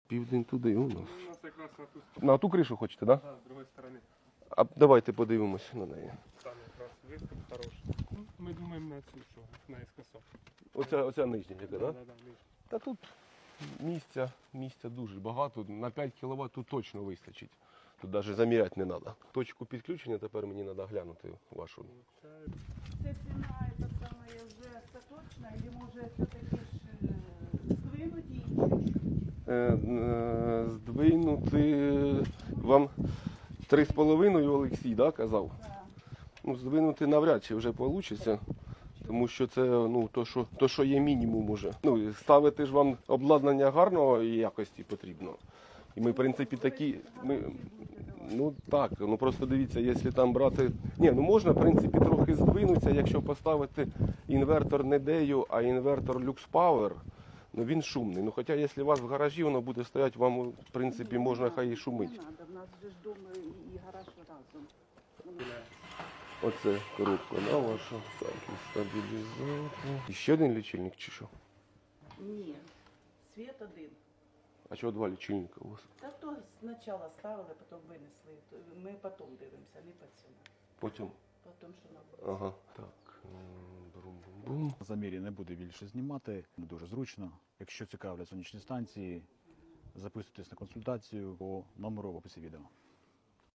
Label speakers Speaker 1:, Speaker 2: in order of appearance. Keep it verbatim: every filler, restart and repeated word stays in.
Speaker 1: Південь туди у нас.
Speaker 2: У нас якраз на ту сторону.
Speaker 1: На ту кришу хочете, так? Да?
Speaker 2: Да, з другої сторони.
Speaker 1: А давайте подивимося на неї.
Speaker 2: Там якраз виступ хороший. Ну, ми думаємо на цю, що наискосок.
Speaker 1: Оця, оця нижня, яка, так?
Speaker 2: Да,
Speaker 1: Да?
Speaker 2: да, да, нижче.
Speaker 1: Та тут місця, місця дуже багато. На п'ять кіловат тут точно вистачить. Тут навіть заміряти не треба. Точку підключення тепер мені треба глянути вашу.
Speaker 2: Це
Speaker 3: Це ціна, це саме вже остаточна, і може все-таки ж е, здвинуть її чуть-чуть?
Speaker 1: Е, е, здвинути вам три з половиною Олексій, да, казав?
Speaker 3: Так.
Speaker 1: Ну, здвинути навряд чи вже вийде. Тому що це ну, то, що, то, що є мінімум уже. Ну, ставити ж вам обладнання гарного якості потрібно. І ми, в принципі, такі. Ми, ну так, ну просто дивіться, якщо там брати. Ні, ну можна, в принципі, трохи здвинутися, якщо поставити інвертор не Дею, а інвертор Lux Power, ну він шумний. Ну хоча, якщо у вас в гаражі воно буде стояти, вам, в принципі, можна хай і шумить.
Speaker 3: Не треба, в нас же ж дома і гараж разом.
Speaker 1: Оце коробка на ваша. Так, і стабілізатор. І ще один лічильник чи що?
Speaker 3: Ні, світ один.
Speaker 1: А чого два лічильника у вас?
Speaker 3: Та то спочатку ставили, потім винесли. То ми потім дивимося, не по цьому.
Speaker 1: Потім.
Speaker 3: Потім, що нам.
Speaker 1: Ага, так. Брум-бум-бум.
Speaker 4: На замірі не буде більше знімати, не дуже зручно. Якщо цікавлять сонячні станції, записуйтесь на консультацію по номеру в описі відео.